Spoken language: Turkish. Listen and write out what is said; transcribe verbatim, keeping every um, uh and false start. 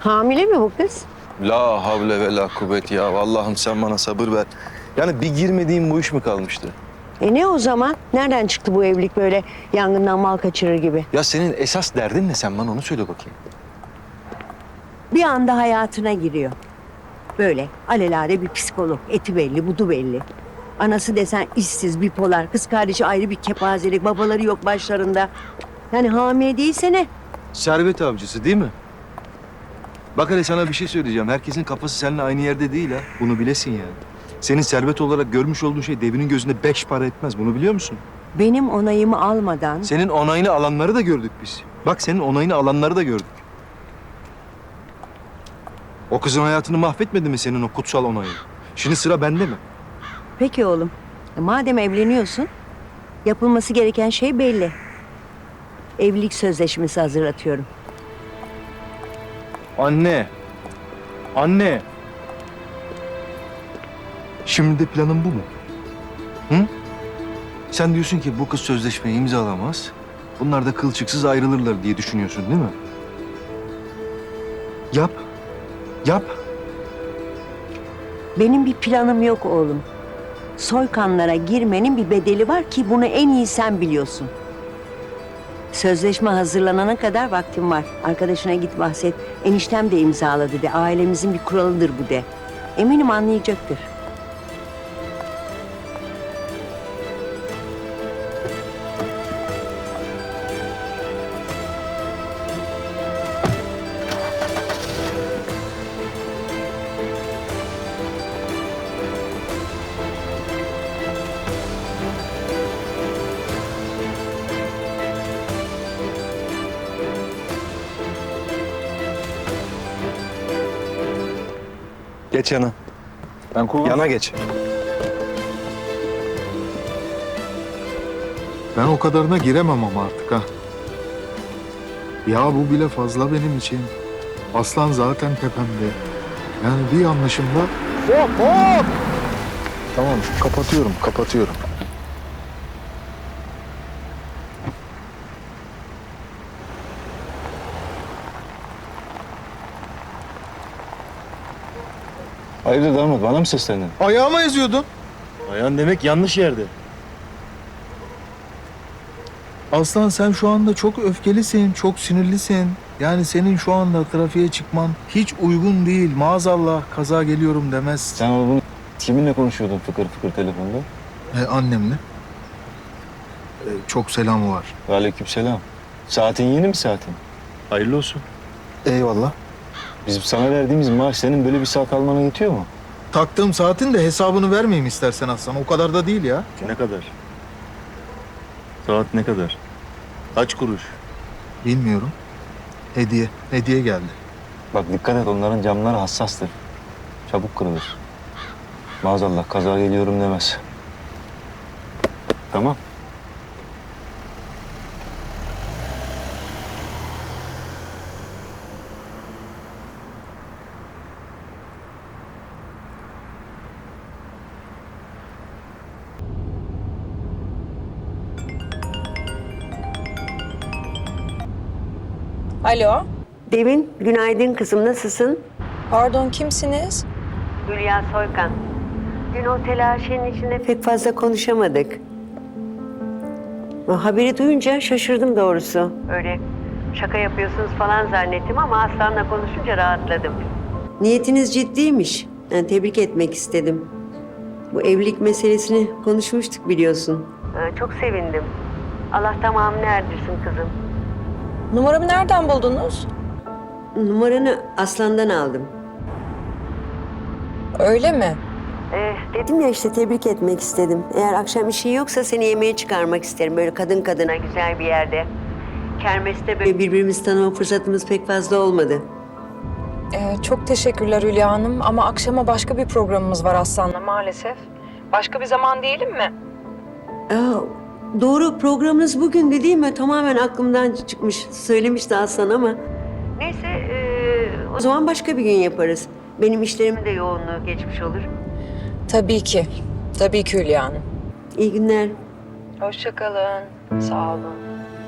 Hamile mi bu kız? La havle ve la kuvvet ya. Allah'ım sen bana sabır ver. Yani bir girmediğim bu iş mi kalmıştı? E ne o zaman? Nereden çıktı bu evlilik böyle yangından mal kaçırır gibi? Ya senin esas derdin ne, sen bana onu söyle bakayım. Bir anda hayatına giriyor. Böyle alelade bir psikolog. Eti belli, budu belli. Anası desen işsiz, bipolar. Kız kardeşi ayrı bir kepazelik. Babaları yok başlarında. Yani hamile değilse ne? Servet avcısı değil mi? Bak hele sana bir şey söyleyeceğim. Herkesin kafası seninle aynı yerde değil ha. Bunu bilesin yani. Senin servet olarak görmüş olduğun şey devinin gözünde beş para etmez. Bunu biliyor musun? Benim onayımı almadan... Senin onayını alanları da gördük biz. Bak senin onayını alanları da gördük. O kızın hayatını mahvetmedi mi senin o kutsal onayı? Şimdi sıra bende mi? Peki oğlum. E madem evleniyorsun, yapılması gereken şey belli. Evlilik sözleşmesi hazırlatıyorum. Anne. Anne. Şimdi de planın bu mu? Hı? Sen diyorsun ki bu kız sözleşmeyi imzalamaz. Bunlar da kılçıksız ayrılırlar diye düşünüyorsun değil mi? Yap. Yap. Benim bir planım yok oğlum. Soykanlara girmenin bir bedeli var ki bunu en iyi sen biliyorsun. Sözleşme hazırlanana kadar vaktim var. Arkadaşına git bahset. Eniştem de imzaladı de. Ailemizin bir kuralıdır bu de. Eminim anlayacaktır. Geç yana. Ben kullan. Yana geç. Ben o kadarına giremem ama artık ha. Ya bu bile fazla benim için. Aslan zaten tepemde. Yani bir yanlışımda... Hop hop! Tamam kapatıyorum, kapatıyorum. Hayırdır damat, bana mı seslendin? Ayağıma eziyordun. Ayağın demek yanlış yerde. Aslan sen şu anda çok öfkelisin, çok sinirlisin. Yani senin şu anda trafiğe çıkman hiç uygun değil. Maazallah kaza geliyorum demez. Sen oğlum kiminle konuşuyordun fıkır fıkır telefonda? E, annemle. E, çok selamı var. Aleykümselam. Saatin yeni mi saatin? Hayırlı olsun. Eyvallah. Bizim sana verdiğimiz maaş senin böyle bir saat almana yetiyor mu? Taktığım saatin de hesabını vermeyeyim istersen Aslan. O kadar da değil ya. Ne kadar? Saat ne kadar? Kaç kuruş? Bilmiyorum. Hediye. Hediye geldi. Bak dikkat et, onların camları hassastır. Çabuk kırılır. Maazallah kaza geliyorum demez. Tamam. Alo, Devin, günaydın kızım. Nasılsın? pardon kimsiniz? Hülya Soykan. Dün o telaşenin içinde pek fazla konuşamadık. O haberi duyunca şaşırdım doğrusu. Öyle şaka yapıyorsunuz falan zannettim ama Aslan'la konuşunca rahatladım. Niyetiniz ciddiymiş. Yani tebrik etmek istedim. Bu evlilik meselesini konuşmuştuk biliyorsun. Ee, çok sevindim. Allah tamamını erdirsin kızım. Numaramı nereden buldunuz? Numaranı Aslan'dan aldım. Öyle mi? Ee, dedim ya işte tebrik etmek istedim. Eğer akşam işin yoksa seni yemeğe çıkarmak isterim. Böyle kadın kadına güzel bir yerde. Kermeste böyle birbirimizi tanıma fırsatımız pek fazla olmadı. Ee, çok teşekkürler Hülya Hanım ama akşama başka bir programımız var Aslan'la maalesef. Başka bir zaman diyelim mi? Aa, doğru programınız bugündü değil mi? Tamamen aklımdan çıkmış. Söylemişti Aslan ama. Neyse ee, o zaman başka bir gün yaparız. Benim işlerimin de yoğunluğu geçmiş olur. Tabii ki. Tabii ki Hülya Hanım. İyi günler. Hoşça kalın. Sağ olun.